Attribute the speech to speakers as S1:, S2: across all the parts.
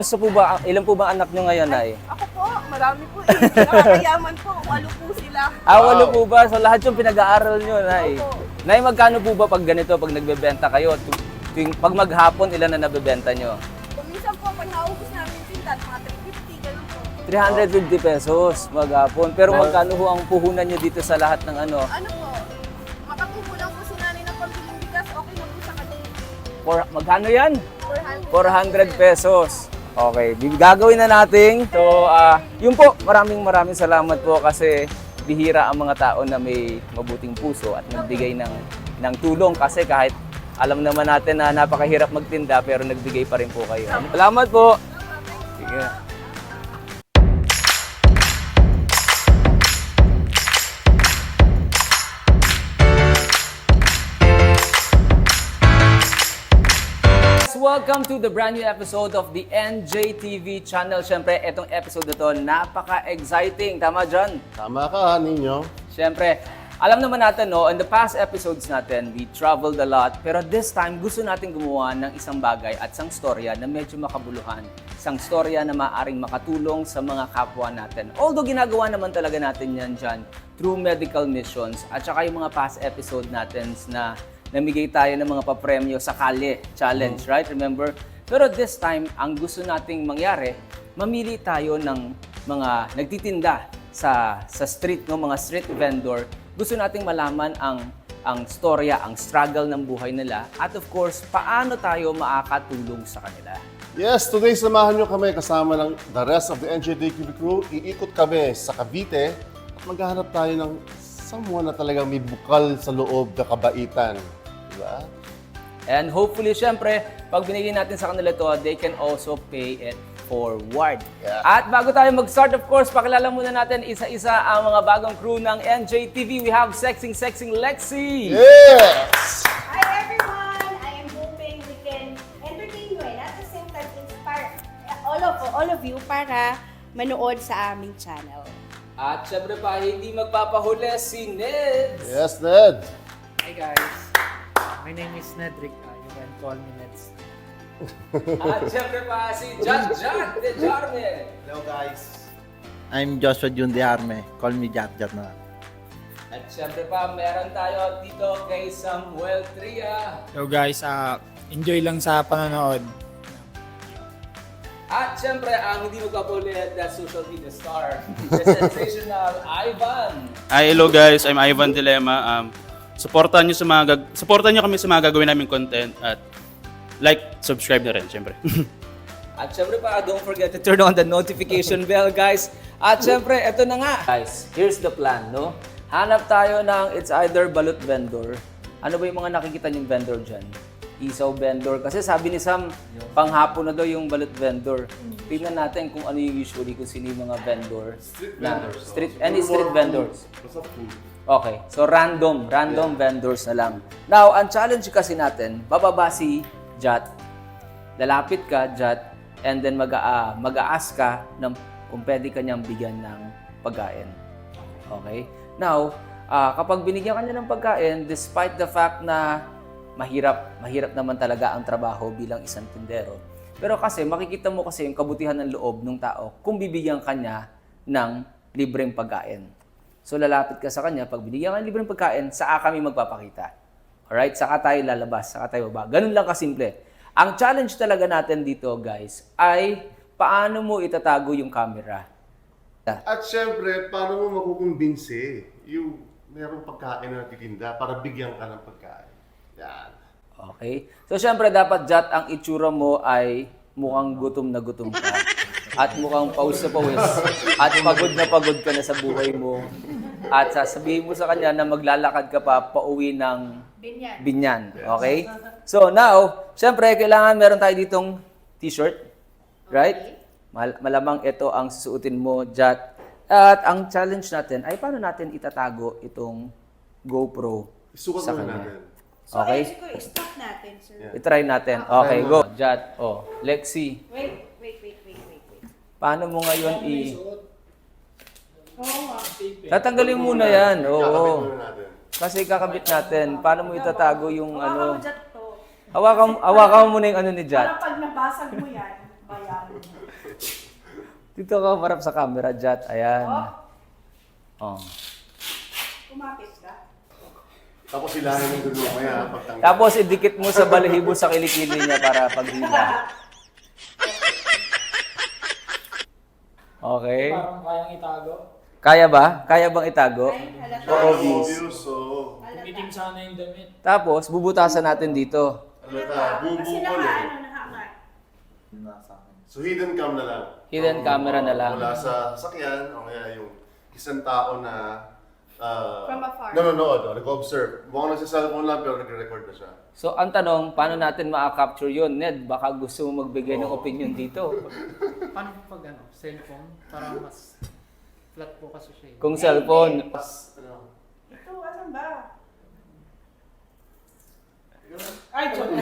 S1: Gusto po ba, ilan po ba anak nyo ngayon, Nay?
S2: Ako po, marami po eh. Nakakayaman po, 8 po sila.
S1: Walo po ba? So lahat yung pinag-aaral nyo, Nay.
S2: Opo.
S1: Nay, magkano po ba pag ganito, pag nagbebenta kayo? Pag maghapon, ilan na nabebenta nyo?
S2: Kung minsan po, pag naubos namin tindan, mga 350, ganun po.
S1: 350 pesos maghapon. Pero magkano ho ang puhunan nyo dito sa lahat ng ano?
S2: Ano po, makatubo lang po si nanay ng pambiling bigas, okay na po sa kanya.
S1: Magkano yan? 400
S2: 400.
S1: pesos. Okay, gagawin na natin. So, yun po, maraming salamat po kasi bihira ang mga tao na may mabuting puso at nagbigay ng tulong kasi kahit alam naman natin na napakahirap magtinda pero nagbigay pa rin po kayo. Salamat po. Sige. Welcome to the brand new episode of the NJTV channel. Siyempre, itong episode na to, napaka-exciting. Tama, John?
S3: Tama ka, ninyo.
S1: Siyempre, alam naman natin, no, in the past episodes natin, we traveled a lot. Pero this time, gusto natin gumawa ng isang bagay at isang storya na medyo makabuluhan. Isang storya na maaaring makatulong sa mga kapwa natin. Although ginagawa naman talaga natin yan dyan through medical missions at saka yung mga past episode natin na namigay tayo ng mga papremyo sa Kalye Challenge, right? Remember? Pero this time, ang gusto nating mangyari, mamili tayo ng mga nagtitinda sa street, no? Mga street vendor. Gusto nating malaman ang storya, ang struggle ng buhay nila. At of course, paano tayo makakatulong sa kanila.
S3: Yes, today samahan nyo kami kasama ng the rest of the NJTV crew. Iikot kami sa Cavite at maghahanap tayo ng someone na talagang may bukal sa loob na kabaitan. Diba?
S1: And hopefully, syempre, pag binigyan natin sa kanila to, they can also pay it forward.
S3: Yeah.
S1: At bago tayo mag-start, of course, pakilala muna natin isa-isa ang mga bagong crew ng NJTV. We have Sexing Lexi!
S3: Yes!
S4: Hi everyone! I am hoping we can entertain you and at the same time inspire all of you para manood sa aming channel.
S1: At syempre pa, hindi magpapahuli si Ned!
S3: Yes, Ned!
S5: Hi guys, my name is Nedrick. You can call me Neds.
S1: At syempre pa, si Jack de Jarme!
S6: Hello guys. I'm Joshua Jun de Arme. Call me Jack na.
S1: At syempre pa, meron tayo dito kay Samuel Tria.
S5: Hello guys, enjoy lang sa panonood.
S1: At syempre, ang hindi magpapahuli na social media star, the sensational Ivan.
S7: Hi, hello guys. I'm Ivan Dilema. Supportan niyo kami sa mga gagawin naming content at like, subscribe na rin, syempre.
S1: At syempre pa, don't forget to turn on the notification bell, guys. At syempre, eto na nga. Guys, here's the plan, no? Hanap tayo ng it's either balut vendor. Ano ba yung mga nakikita niyong vendor dyan? Isaw vendor. Kasi sabi ni Sam, panghapon na daw yung balut vendor. Tingnan natin kung ano yung usually, kung sino yung mga vendor. Any street vendors. Okay, so random vendors na lang. Now, ang challenge kasi natin, bababa si Jat, lalapit ka, Jat, and then mag-a-ask ka ng kung pwede ka niyang bigyan ng pagkain. Okay? Now, kapag binigyan ka niya ng pagkain, despite the fact na mahirap naman talaga ang trabaho bilang isang tindero. Pero kasi, makikita mo kasi yung kabutihan ng loob ng tao kung bibigyan ka niya ng libreng pagkain. So, lalapit ka sa kanya, pag binigyan ka ng libreng pagkain, saka kami magpapakita. Alright? Saka tayo lalabas, saka tayo baba. Ganun lang kasimple. Ang challenge talaga natin dito, guys, ay paano mo itatago yung camera.
S3: At syempre, paano mo makukumbinsi yung mayroong pagkain na natitinda para bigyan ka ng pagkain? Yan.
S1: Okay? So, syempre, dapat, Jat, ang itsura mo ay mukhang gutom na gutom ka. At mukhang pawis na pawis. At pagod ka na sa buhay mo. At sasabihin mo sa kanya na maglalakad ka pa pauwi ng Binyan. Okay? So, now, syempre, kailangan meron tayo ditong t-shirt. Right? Malamang ito ang susuotin mo, Jat. At ang challenge natin ay paano natin itatago itong GoPro
S3: Isukat
S1: sa
S3: muna
S1: kanya.
S3: natin.
S4: So
S1: Okay?
S4: stop natin, sir.
S1: I-try natin. Okay, go. Jat. Oh, Lexi.
S4: Wait.
S1: Paano mo ngayon
S4: Oo nga.
S1: Tatanggalin muna yan.
S3: Kakabit
S1: Oo.
S3: muna natin.
S1: Kasi kakabit natin. Paano mo itatago yung
S4: Hawakan mo
S1: ano?
S4: dyan to.
S1: Hawakan mo muna yung ano ni
S4: Para
S1: Jat.
S4: pag nabasag mo yan,
S1: Dito ka marap sa camera, Jat. Ayan. Oh.
S4: Kumapit ka.
S3: Tapos hilahin ng dulo maya pagtanggal.
S1: Tapos idikit mo sa balahibo sa kilikili niya para paghila. Okay.
S5: Parang kayang itago.
S1: Kaya ba? Kaya bang itago?
S4: Halata.
S3: Obvious, so...
S5: Umitim sana yung damit.
S1: Tapos bubutasan natin dito.
S3: Halata,
S4: Kasi
S3: bubukol eh.
S4: nakaangat.
S3: So hidden cam na lang.
S1: Hidden camera na lang.
S3: Mula sa sakyan, o kaya yung isang tao na
S4: From afar.
S3: nanonood, o nag-observe. Mukhang nagsa-cellphone lang pero nagre-record na siya.
S1: So ang tanong, paano natin ma-capture yun? Ned, baka gusto mo magbigay ng opinion dito.
S5: Paano pag cellphone? Para mas flat po kasi siya.
S1: Kung cellphone,
S3: Tapos, ano,
S4: Ito, asan ba? Ay, joke.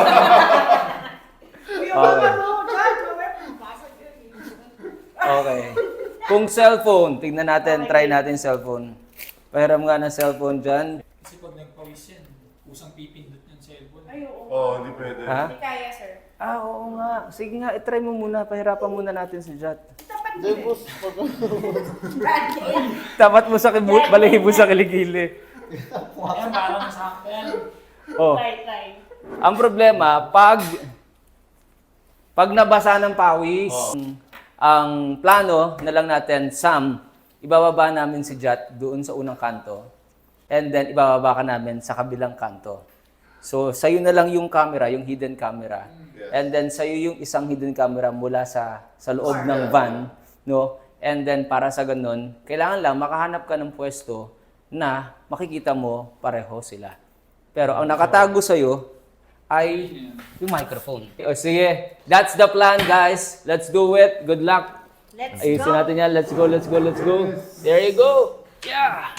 S4: Uy,
S1: Okay.
S4: mo, Dad. Mamaya pumasag yun.
S1: okay. Kung cellphone, tignan natin, try natin cellphone. Pahiram nga ng cellphone dyan.
S5: Kasi pag nagpawis yan, kusang pipindot yung cellphone.
S4: Ay, oo.
S3: oh, hindi pwede.
S1: Ha?
S4: Hindi kaya, sir.
S1: Oo nga. Sige nga, itry mo muna. Pahirapan muna natin si Jat.
S4: Tapat mo. Brad,
S1: Tapat mo sa balahibo sa kiligili.
S5: Ayan, parang masakto yan.
S1: Oh.
S4: try.
S1: Ang problema, pag nabasa ng pawis, ang plano na lang natin, Sam, ibababa namin si Jat doon sa unang kanto. And then, ibababa ka namin sa kabilang kanto. So, sa'yo na lang yung camera, yung hidden camera. And then, sa'yo yung isang hidden camera mula sa loob ng van. No? And then, para sa ganun, kailangan lang makahanap ka ng pwesto na makikita mo pareho sila. Pero ang nakatago sa'yo ay yung microphone. O sige, that's the plan, guys. Let's do it. Good luck.
S4: Let's
S1: Ayusin
S4: go.
S1: natin yan. Let's go, let's go, let's go. There you go. Yeah.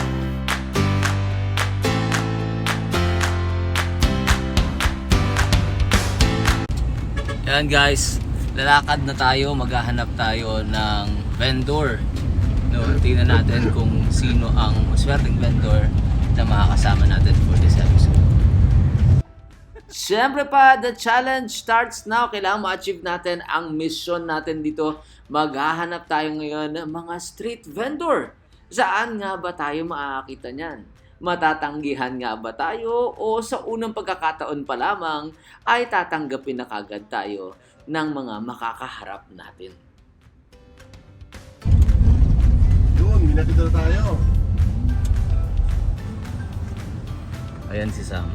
S1: Yan guys, lalakad na tayo, maghahanap tayo ng vendor. No, tingnan natin kung sino ang maswerteng vendor na makakasama natin for this episode. Siyempre pa, the challenge starts now. Kailangan ma-achieve natin ang mission natin dito. Maghahanap tayo ngayon ng mga street vendor. Saan nga ba tayo makakita niyan? Matatanggihan nga ba tayo o sa unang pagkakataon pa lamang ay tatanggapin na kagad tayo ng mga makakaharap natin?
S3: Yun, may nakita na tayo.
S1: Ayan si Sam.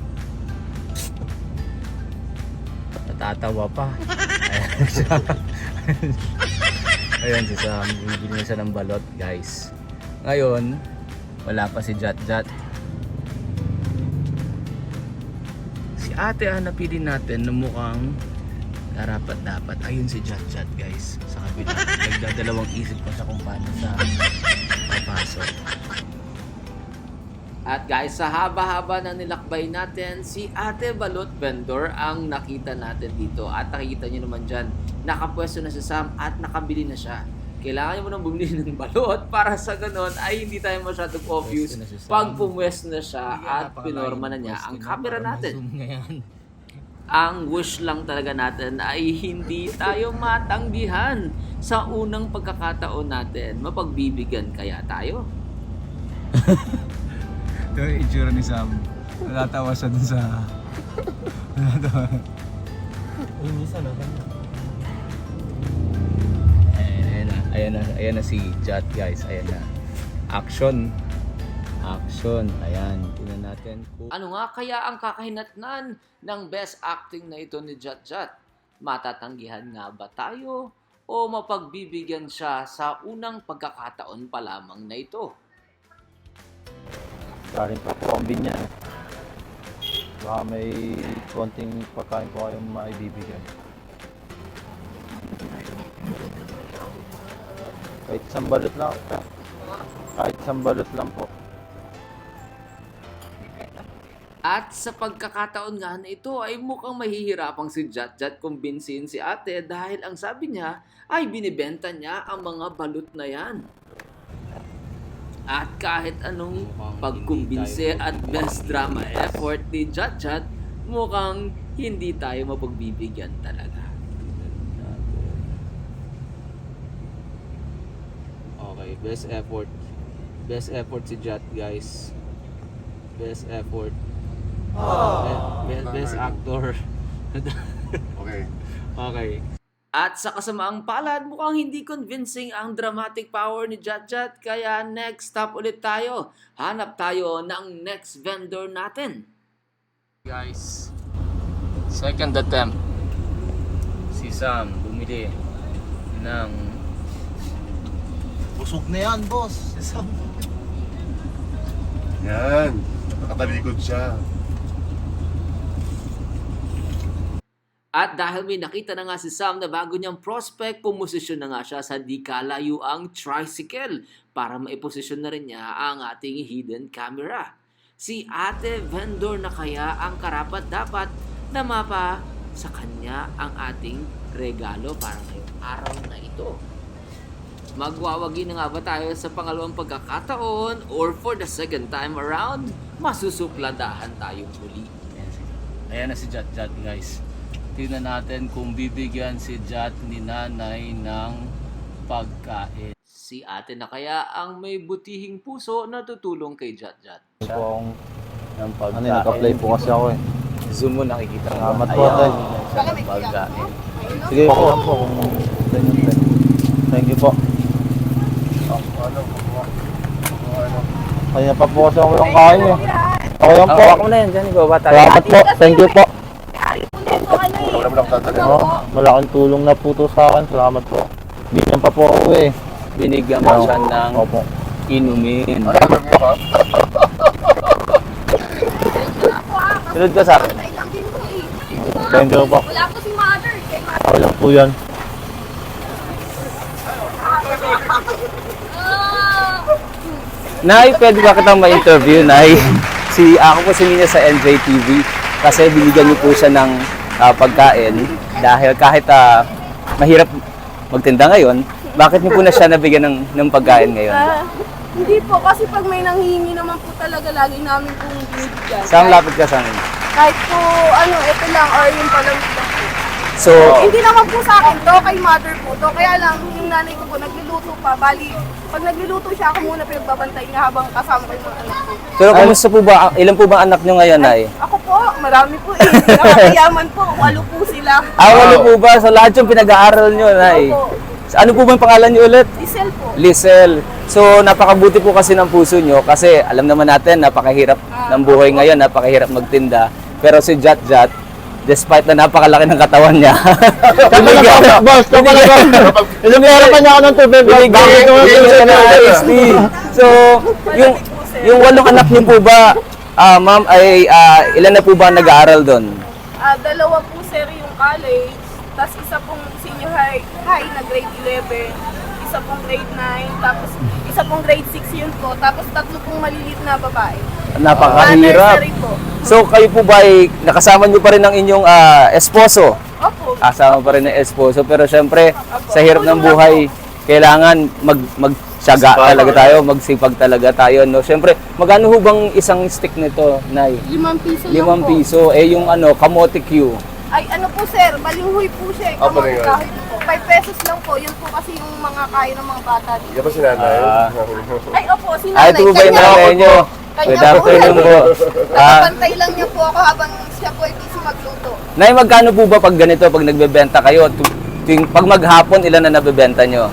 S1: Natatawa pa. Ayan siya. Ayan si Sam. Bibili na siya ng balot, guys. Ngayon, wala pa si Jat. Si ate ang napili natin na mukhang dapat. Ayun si Jat, guys. Sa kabila. Nagdadalawang isip pa siya kung paano siya papasok. At guys, sa haba-haba na nilakbay natin, si Ate Balot Vendor ang nakita natin dito. At nakikita nyo naman dyan, nakapwesto na si Sam at nakabili na siya. Kailangan mo nang bumili ng balot para sa ganon ay hindi tayo masyadong obvious pag pumwesto na siya at pinorma na niya ang camera natin. Ang wish lang talaga natin ay hindi tayo matanggihan sa unang pagkakataon natin. Mapagbibigyan kaya tayo?
S8: Ito yung itsura ni Sam. Natatawa siya dun sa... Natatawa.
S1: Ayan na si Jat, guys. Ayan na. Action. Ayan. Tingnan natin kung... Ano nga kaya ang kakahinatnan ng best acting na ito ni Jat? Matatanggihan nga ba tayo o mapagbibigyan siya sa unang pagkakataon pa lamang na ito?
S6: Galing pa kombi niya. Baka may konting pagkain po kayong maibibigyan. Kahit isang balot lang. Kahit isang balot lang po.
S1: At sa pagkakataon nga na ito ay mukhang mahihirapang si Jat kumbinsihin si ate dahil ang sabi niya ay binibenta niya ang mga balot na yan. At kahit anong pagkumbinse at best drama effort ni Jat, mukhang hindi tayo mapagbibigyan talaga. best effort. Best effort si Jat, guys. Best effort. Best actor.
S3: Okay.
S1: Okay. At sa kasamaang palad, mukhang hindi convincing ang dramatic power ni Jat, kaya next stop ulit tayo. Hanap tayo ng next vendor natin. Guys, second attempt. Si Sam bumili ng...
S6: Busog na yan, boss.
S3: Yan. Nakatalikod siya.
S1: At dahil may nakita na nga si Sam na bago niyang prospect, pumosisyon na nga siya sa di kalayo ang tricycle para maiposisyon na rin niya ang ating hidden camera. Si ate vendor na kaya ang karapat dapat na mapa sa kanya ang ating regalo para ngayong araw na ito. Magwawagi na nga ba tayo sa pangalawang pagkakataon or for the second time around, masusupladahan tayo muli. Ayan na si Jat, guys. Tingnan natin kung bibigyan si Jat ni nanay ng pagkain. Si ate na kaya ang may butihing puso na tutulong kay Jat.
S6: Po akong, ano yun, nag-apply po kasi ako eh.
S1: Zoom mo, nakikita mo.
S6: Salamat po, tay.
S1: Pagkain.
S6: Sige po, kung ganyan, tay. Thank you po. Kaya pa po kasi ako yung kain eh. Ako yan po.
S1: Ako na yan, dyan. Ibaba tayo.
S6: Salamat po. Thank you po.
S3: Wala mo lang tatali.
S6: Malaking tulong na po to sa akin. Salamat po. Bigyan pa po ako eh.
S1: Binigyan mo siya ng
S6: Opo.
S1: inumin.
S3: Ay, alam mo ba?
S1: Sunod ka sa akin.
S2: Pantay lang din po eh.
S6: Thank you po.
S2: Wala po si mother. Kay mother.
S6: Ako lang po yan.
S1: Nay, pwede ba kitang ma-interview, Nay? Ako po si Nina sa NJTV kasi binigyan niyo po siya ng pagkain dahil kahit mahirap magtinda ngayon, bakit niyo po na siya nabigyan ng pagkain ngayon?
S2: Hindi po, kasi pag may nanghihingi naman po talaga, lagi namin pong binibigyan.
S1: Saan lapit ka sa akin?
S2: Kahit po, ito lang, or yung palamig lang po.
S1: So,
S2: Hindi naman po sa akin to, kay mother po to. Kaya lang, yung nanay ko po, nagluluto pa. Bali, pag nagluluto siya, ako muna pinagbabantay niya habang kasama ko yung mga anak ko.
S1: pero kumusta po ba? Ilan po ba anak niyo ngayon, Nay?
S2: Ako po, marami po eh. Nakakayaman po, 8 po sila.
S1: Walo po ba? So, lahat yung pinag-aaral niyo, Nay?
S2: Opo.
S1: Ano po ba yung pangalan niyo ulit?
S2: Diesel po.
S1: Lisel. So, napakabuti po kasi ng puso nyo kasi alam naman natin, napakahirap ng buhay ngayon, napakahirap magtinda. Pero si Jat, despite na napakalaki ng katawan niya,
S6: Boss, ito pala ba? Ilang pa niya ako ng tubig.
S1: binigyan ko siya ng IST. So, yung 8 anak niyo po ba, ma'am, ay ilan na po ba nag-aaral doon?
S2: 2 po sir yung college, tapos isa pong senior high na grade 11, isa pong grade 9, tapos isa pong grade 6 yun po, tapos 3 pong maliliit na babae.
S1: Napakahirap.
S2: Nursery po.
S1: So, kayo po ba ay nakasama niyo pa rin ang inyong esposo?
S2: Opo.
S1: Kasama pa rin ng esposo. Pero syempre, sa hirap ng buhay, kailangan magtiyaga talaga tayo, magsipag talaga tayo. No? Syempre, magkano ho bang isang stick nito, Nay?
S2: 5 piso
S1: 5
S2: lang po.
S1: piso. Eh, yung kamote Q.
S2: Ay, ano po sir, balinghoy po siya.
S3: Ah, balinghoy.
S2: Kahit po, 5 pesos lang po. Yun po kasi yung mga kaya ng mga bata dito.
S3: Yan ba si nanay?
S2: Ay, opo, si
S1: Ay,
S2: nanay.
S1: ito po ba yung nanay nyo?
S2: Kanya
S1: Good
S2: po.
S1: afternoon po.
S2: Nakapantay lang niya po ako habang siya po ay busy magluto.
S1: Nay, magkano po ba pag ganito, pag nagbebenta kayo? Pag maghapon, ilan na nabebenta nyo?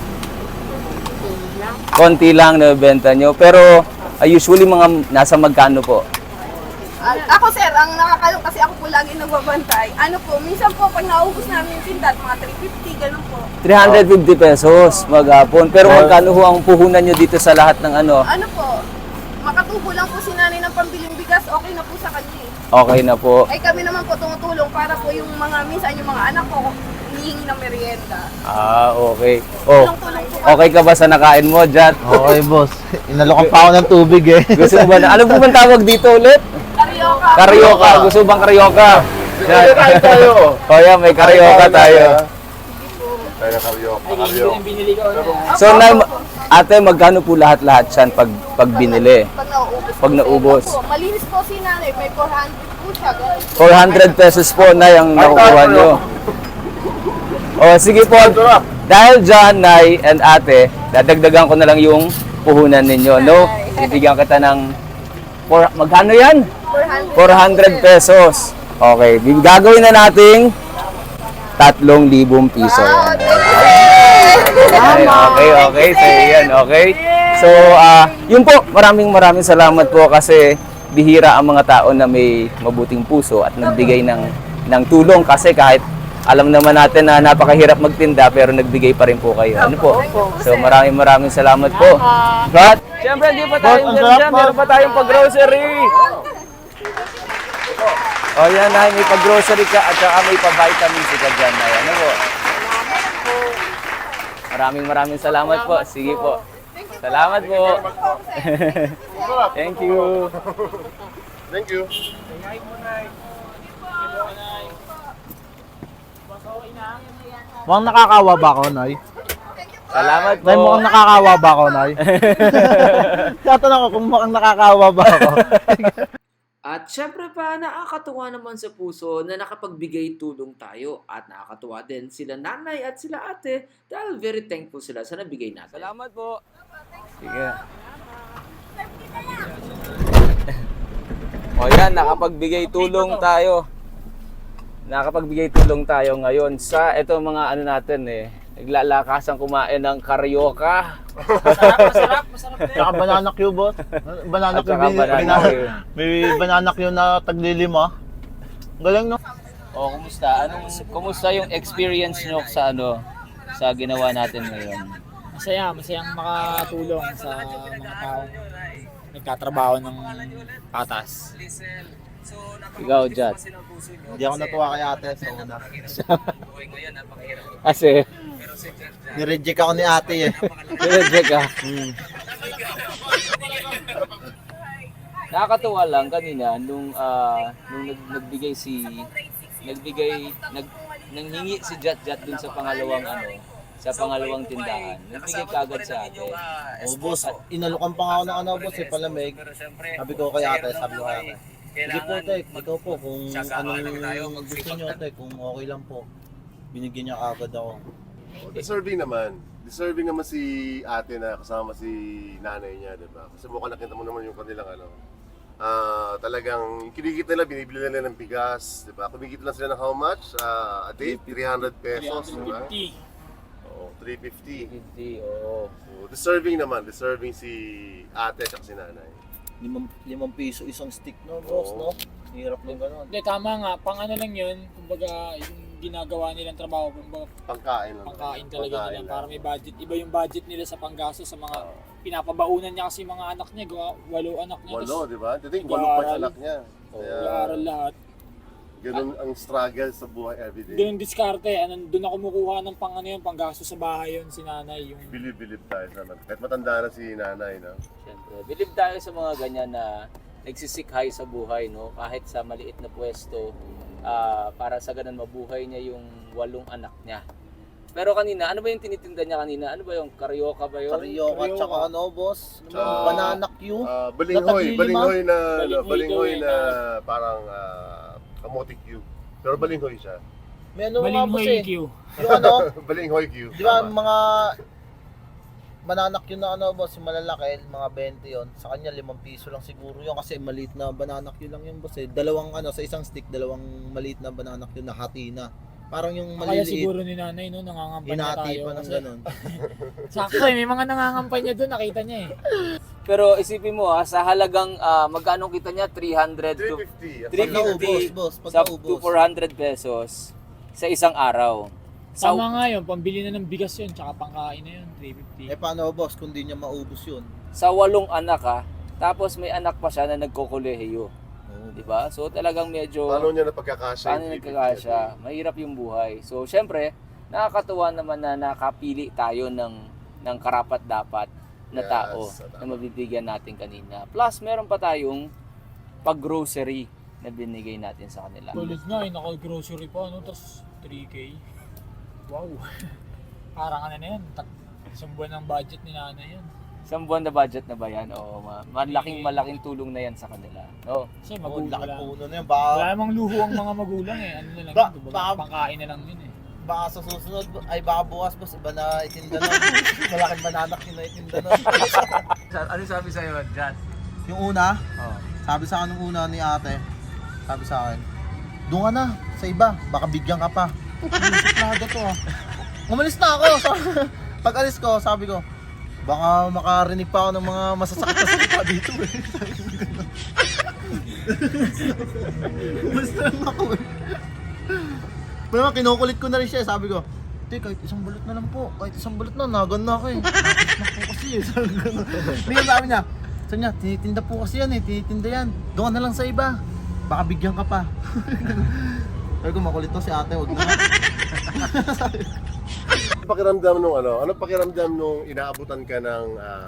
S1: Konti lang nabebenta nyo. Pero usually mga nasa magkano po?
S2: Ako sir, ang nakakalong kasi ako po lagi nagbabantay. Ano po, minsan po pag naubos namin yung tindat, mga 350, ganun po.
S1: 350 pesos maghapon. Pero magkano ho ang puhunan nyo dito sa lahat ng ano?
S2: Ano po, makatubo lang po si nanay ng pambiling bigas, okay na po sa kanya eh.
S1: Okay na po.
S2: Ay kami naman po tumutulong para po yung mga, minsan yung mga anak ko, hinihingi ng merienda.
S1: Okay. Oh,
S2: Tulong-tulong po.
S1: okay ka ba sa nakain mo, Jat?
S6: Okay, boss. Inalokan pa ako ng tubig eh.
S1: Gusto mo ba na? Ano po bang tawag dito ulit?
S2: Karyoka.
S1: Karyoka. Gusto bang karyoka? Jat.
S3: Kain tayo.
S1: Oh, yeah, may karyoka tayo.
S3: Tayo na karyoka.
S1: So, ate, magkano po lahat-lahat yan pag binili?
S2: Pag naubos.
S1: Pag naubos.
S2: Opo, malinis po si nanay, may 400 po siya. Ganun.
S1: 400 pesos po na yung nakukuha nyo. O, sige po. Dahil dyan, Nay and ate, dadagdagan ko na lang yung puhunan ninyo, no? Bibigyan kita ng, magkano yan? 400 pesos. Okay, gagawin na nating 3,000 piso. Yan. Okay. So, yan, okay. So, yun po, maraming salamat po kasi bihira ang mga tao na may mabuting puso at nagbigay ng tulong kasi kahit alam naman natin na napakahirap magtinda pero nagbigay pa rin po kayo. Ano po? So, maraming salamat po. But, syempre, hindi pa tayo dyan. Meron pa tayong pag-grocery. O yan na, may pag-grocery ka at saka may pa-vitamins ka dyan. Ano po? Maraming salamat po. Sige po. Salamat po. Thank you.
S3: Thank you.
S6: Mukhang nakakawa ba ako, Nay?
S1: Salamat po.
S6: Nay, mukhang nakakawa ba ako, Nay? Tatanong ko kung mukhang nakakawa ba ako.
S1: At syempre pa, nakakatuwa naman sa puso na nakapagbigay tulong tayo at nakakatuwa din sila nanay at sila ate dahil very thankful sila sa nabigay natin. Salamat po. Sige. O yan, nakapagbigay tulong tayo. Nakapagbigay tulong tayo ngayon sa ito mga ano natin naglalakasang kumain ng karyoka.
S5: Masarap.
S6: Tsaka banana Q, boss. Banana
S1: At
S6: Q,
S1: saka banana Q.
S6: may banana Q na taglilima. Galing, no?
S1: O, kumusta? Kumusta yung experience nyo sa ginawa natin ngayon?
S5: Masayang makatulong sa mga taong nagtatrabaho ng patas.
S1: Ikaw, Jat.
S6: Hindi ako natuwa kay ate sa una.
S1: Kasi,
S6: Nireject ako ni ate eh.
S1: nireject ka. Nakakatuwa lang kanina nung nanghingi si Jat dun sa pangalawang tindahan. Nagbigay kagad sa atin.
S6: Oh, boss, inalukan pa nga ako ng boss, palamig. Sabi ko kay ate, sige po, tek, ikaw po, kung anong gusto nyo, tek, kung okay lang po. Binigyan niya agad ako.
S3: Deserving naman. Deserving naman si ate na kasama si nanay niya, di ba? Kasi mukhang nakita mo naman yung kanilang talagang kinikita nila, binibili nila ng bigas, di ba? Kumikita lang sila ng how much? A day? 300 pesos, di ba?
S5: 350.
S3: Oo, 350.
S1: 50, oo.
S3: So, deserving si ate at si nanay.
S6: 5 piso isang stick, no, boss, no? Hirap ng gano'n.
S5: Hindi, tama nga. Pang ano lang yun, kumbaga yung ginagawa nilang trabaho, kumbaga
S3: Pangkain lang.
S5: pangkain talaga
S3: Pangkain
S5: nila
S3: lang.
S5: para may budget. Iba yung budget nila sa panggasto sa mga pinapabaunan niya kasi mga anak niya, 8 anak niya.
S3: Walo, di ba? I think
S5: Nag-aaral.
S3: 8 pa yung anak niya. Kaya,
S5: Nag-aaral lahat.
S3: ganun ang struggle sa buhay everyday.
S5: Doon diskarte, doon ako kumukuha ng pang ano yun, panggasto sa bahay yun, si nanay. Yung
S3: Believe tayo sa kahit matanda na si nanay, no?
S1: Siyempre, believe tayo sa mga ganyan na nagsisikhay sa buhay, no? Kahit sa maliit na pwesto, para sa ganun mabuhay niya yung 8 anak niya. Pero kanina, ano ba yung tinitinda niya kanina? Ano ba yung karyoka ba yun?
S6: Karyoka, tsaka ano, boss?
S3: Tsaka-
S6: Banana Q.
S3: Balinghoy
S5: Balinghoy
S3: balinghoy
S5: daw
S3: na parang kamote cube. Pero balinghoy siya.
S6: May ano nga, boss
S5: Balinghoy
S6: eh.
S5: Q.
S6: Yung ano,
S3: Balinghoy cube.
S6: di ba mga banana Q na ano, boss, yung malalaki, mga 20 yon. Sa kanya 5 piso lang siguro yun kasi maliit na banana Q lang yung boss eh. Sa isang stick, 2 maliit na banana Q na hati na. Parang yung
S5: Kaya
S6: maliliit,
S5: siguro ni nanay, no, nangangampay na
S6: hinati
S5: tayo.
S6: pa ng
S5: Kasi,
S6: ganun.
S5: sakto may mga nangangampay niya doon, nakita niya eh.
S1: Pero isipin mo sa halagang magkano kita niya? 300 to
S3: 350.
S1: 350
S6: boss, pag
S1: sa
S6: naubos.
S1: to 400 pesos sa isang araw. Sa
S5: Tama nga yun, pambili na ng bigas yun, tsaka pangkain na yun, 350.
S6: Eh paano, boss, kung di niya maubos yun?
S1: sa 8 anak tapos may anak pa siya na nagkokolehiyo.
S6: Oo.
S1: 'Di ba? So talagang medyo
S3: Paano niya napagkakasya?
S1: paano nagkakasya? Mahirap yung buhay. So syempre, nakakatuwa naman na nakapili tayo ng karapat-dapat na
S3: Yes,
S1: tao
S3: tama.
S1: na mabibigyan natin kanina. Plus, meron pa tayong pag-grocery na binigay natin sa kanila.
S5: Tulad nga, naka-grocery pa, tapos 3K. Wow. Parang ano na yan, isang buwan ng budget ni nanay yan.
S1: Isang buwan na budget na ba yan? Oo, malaking tulong na yan sa kanila. No?
S5: Kasi
S6: Oh,
S5: magulang
S6: laki
S5: lang.
S6: puno na yun.
S5: Wala
S6: Baka,
S5: namang luho ang mga magulang eh. Ano na lang
S6: Ba-
S5: yun,
S6: ba-
S5: pangkain na lang yun eh.
S6: baka sa susunod, ay baka bukas boss, iba na itinda nun. Malaking bananak yun na itinda nun.
S1: Ano sabi sa'yo, Jat?
S6: Yung una,
S1: Oh.
S6: sabi sa akin nung una ni ate, sabi sa akin, doon ka na, sa iba, baka bigyan ka pa. Suplado to ah. Umalis na ako. Pag alis ko, sabi ko, baka makarinig pa ako ng mga masasakit na salita dito eh. Umalis na lang ako eh. Pero naman, kinukulit ko na rin siya. Sabi ko, "Te, kahit isang balot na lang po. Kahit isang balot na, nagan na ako eh. Nakakit po kasi eh." Sabi ko, "Hindi," sabi niya. Sabi niya, "Tinitinda po kasi yan eh. Tinitinda yan. Doon ka na lang sa iba. Baka bigyan ka pa." Sabi ko, makulit to si ate. Huwag na.
S3: Ano pakiramdam nung ano pakiramdam nung inaabutan ka ng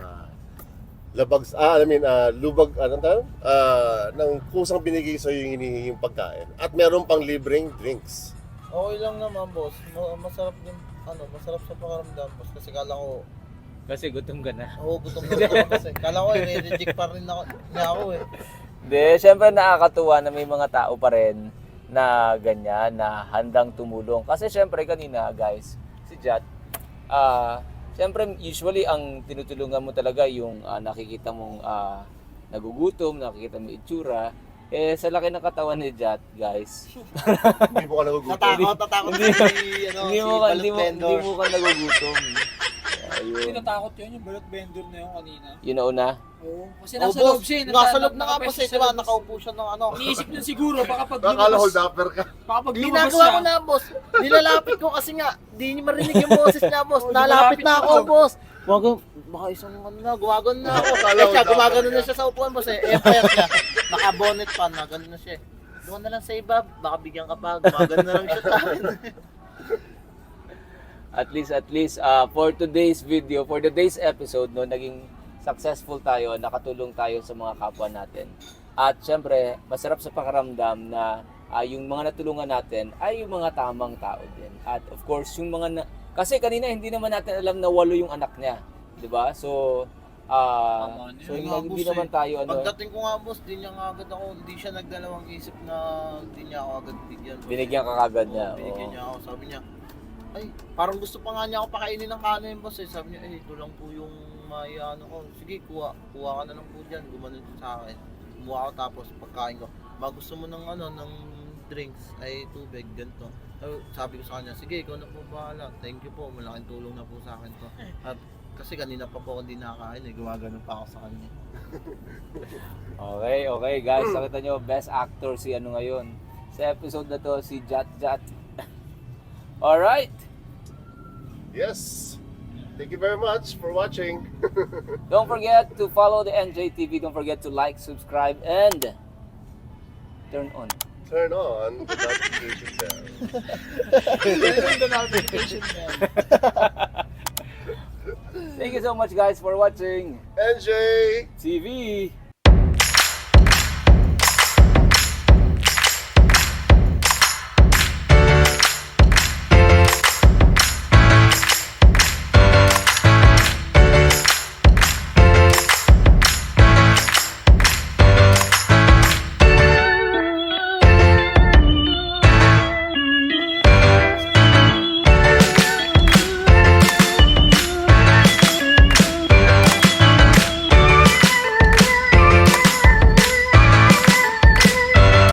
S3: lubag, anong tawag? Ng kusang binigay sa'yo yung hinihinging pagkain. At meron pang libreng drinks.
S6: Okay lang naman, boss. Masarap din, masarap sa pakaramdam, boss. Kasi kala ko,
S1: Kasi gutom ka na.
S6: gutom na ako kasi. Kala ko, reject pa rin ako eh.
S1: Hindi, syempre nakakatuwa na may mga tao pa rin na ganyan, na handang tumulong. Kasi syempre kanina, guys, si Jat, syempre usually ang tinutulungan mo talaga yung nakikita mong nagugutom, nakikita mo itsura. Eh, sa laki ng katawan ni Jat, guys.
S3: Hindi mo ka nagugutom.
S6: Natakot si,
S1: Hindi mo ka nagugutom.
S5: Hindi
S1: Ayun.
S5: natakot yun, yung balot vendor na yun kanina.
S1: Yun na una.
S5: Oo. Kasi
S6: Oh,
S5: nasa loob siya.
S6: Nasa loob na nga, boss.
S5: nakapwesto
S6: Eh, diba?
S5: siya.
S6: Nakaupo siya ng ano.
S5: Iniisip niya siguro, baka pag
S3: Akala
S5: lumabas,
S3: hold upper ka.
S5: baka pag lumabas
S6: Ginagawa
S5: siya.
S6: ko na, boss. Nilalapit ko kasi nga, di niya marinig yung boses niya, boss. Nalapit na ako, boss. Baka isang gumagano na ako.
S3: Akala
S6: Eh
S3: ko
S6: siya,
S3: dapat
S6: gumagano
S3: ka.
S6: na siya sa upuan, boss eh. Empire siya. Naka-bonnet pa, nagano na siya. Doon na lang sa iba, baka bigyan ka pa. Gumagano na lang siya sa akin.
S1: At least for today's video, for today's episode, no, naging successful tayo, nakatulong tayo sa mga kapwa natin. At syempre, masarap sa pakiramdam na yung mga natulungan natin ay yung mga tamang tao din. At of course, yung mga kasi kanina hindi naman natin alam na 8 yung anak niya, 'di ba? So hindi naman tayo
S6: Pagdating ko nga, boss, di niya nga agad ako, hindi siya nagdalawang isip na hindi niya ako agad bigyan. boss.
S1: binigyan ka kagad niya.
S6: Binigyan
S1: Oo.
S6: niya ako, sabi niya, ay, parang gusto pa nga niya ako pakainin ng kanin, boss eh. Sabi niya, ito lang po yung may ko. Sige, kuha ka na lang po dyan. Gumanon siya sa akin. Kumuha ako tapos pagkain ko. Ba gusto mo ng ng drinks, ay tubig, ganito. Sabi ko sa kanya, sige, ikaw na po bahala. Thank you po, malaking tulong na po sa akin to. At kasi kanina pa po ako hindi nakakain eh, gumagano pa ako sa kanya.
S1: Okay guys, nakita nyo, best actor si ano ngayon. Sa episode na to, si Jat. Alright,
S3: Yes. Thank you very much for watching.
S1: don't forget to follow the NJTV. Don't forget to like, subscribe, and turn on.
S3: Turn on the notification bell.
S5: The notification bell.
S1: Thank you so much guys for watching
S3: NJ!
S1: TV.